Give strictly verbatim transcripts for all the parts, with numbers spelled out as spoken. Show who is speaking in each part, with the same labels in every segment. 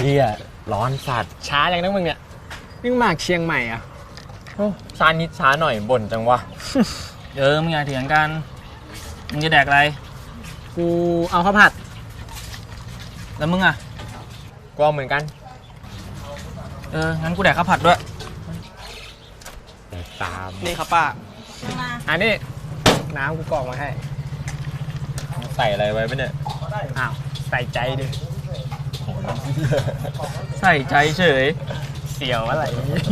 Speaker 1: เฮียร้อนสัตว์ช้าอย่างนั้นมึงเนี่ยนี่มาเชียงใหม่อ่ะช้านิดช้าหน่อยบ่นจังวะ
Speaker 2: เออมึงอย่าเถียงกันมึงจะแดกอะไร
Speaker 1: กูเอาข้าวผัด
Speaker 2: แล้วมึงอ่ะ
Speaker 1: ก็เหมือนกัน
Speaker 2: เอองั้นกูแดกข้าวผัดด้วย
Speaker 1: ตาม
Speaker 2: นี่ครับป้า
Speaker 1: อันนี้น้ำกูกรอกมาให้ใส่อะไรไว้ไหมเนี่ยอ้าวใส่ใจดิ
Speaker 2: ใส่ใจเฉย
Speaker 1: เสียวอะไร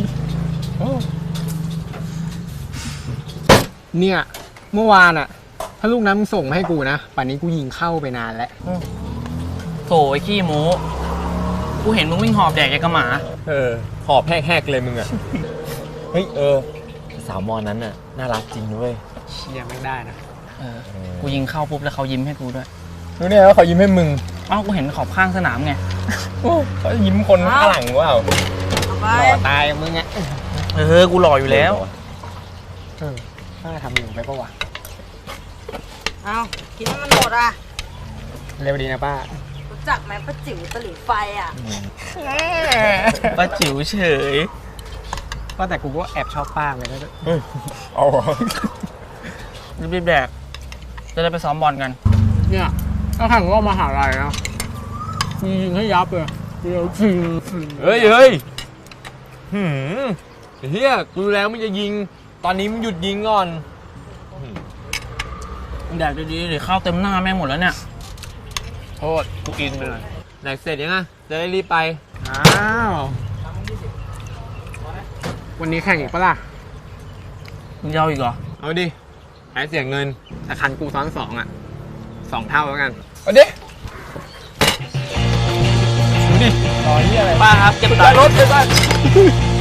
Speaker 1: เนี่ยเมื่อวานอะถ้าลูกน้ำมึงส่งมาให้กูนะป่านนี้กูยิงเข้าไปนานแล้ว
Speaker 2: โถไอ้ขี้โม้กูเห็นมึงวิ่งหอบแดกอย่างกระหมา
Speaker 1: เออหอบแหกๆเลยมึงอะเฮ้ยเออสาวมอนั้นน่ะน่ารักจริงด้วยเชียร์ไม่ได้นะ
Speaker 2: เออกูยิงเข้าปุ๊บแล้วเขายิ้มให้กูด้วย
Speaker 1: รู้เนี่ยว่าเขายิ้มให้มึง
Speaker 2: อ้าวกูเห็นขอบข้างสนามไง
Speaker 1: เขายิ้มคนข้างหลังว่าหล่อตายมึงอ่ะ
Speaker 2: เออกูหล่ออยู่แล้ว
Speaker 1: เออน่าทำอยู่ไปปะวะ
Speaker 3: เอากินให้มันหมดอ่ะ
Speaker 1: เร็วดีนะป้า
Speaker 3: รู้จักไหมป้าจิ๋วตะหลิวไฟอ่ะ
Speaker 2: ป้าจิ๋วเฉย
Speaker 1: ก็แต่กูก็แอบชอบป้าเลยนะ
Speaker 2: เอารีบๆแดกจะได้ไปซ้อมบอลกัน
Speaker 1: เนี่ยถ้าแข่งก็มาหาลัยนะยิงให้ยับเลยเดี๋ยวจริงเฮ้ยเฮ้ยหืมเฮียกูแล้วมึงจะยิงตอนนี้มึงหยุดยิงก่อน
Speaker 2: แดกดีๆเดี๋ยวข้าวเต็มหน้าแม่งหมดแล้วเนี่ย
Speaker 1: โทษกูกินไปหน่อยแดกเสร็จยังไงจะได้รีบไปอ้าววันนี้แข่งอีกปะล่ะ
Speaker 2: มึงจะเอาอีกเหรอ
Speaker 1: เอาดิหายเสียเงินแต่คันกูซ้อนสองอ่ะสองเท่าแล้วกันเอาดิดูดิรอที่อะไร
Speaker 2: ป้าครับเก็บตังค์
Speaker 1: รถเลยป้า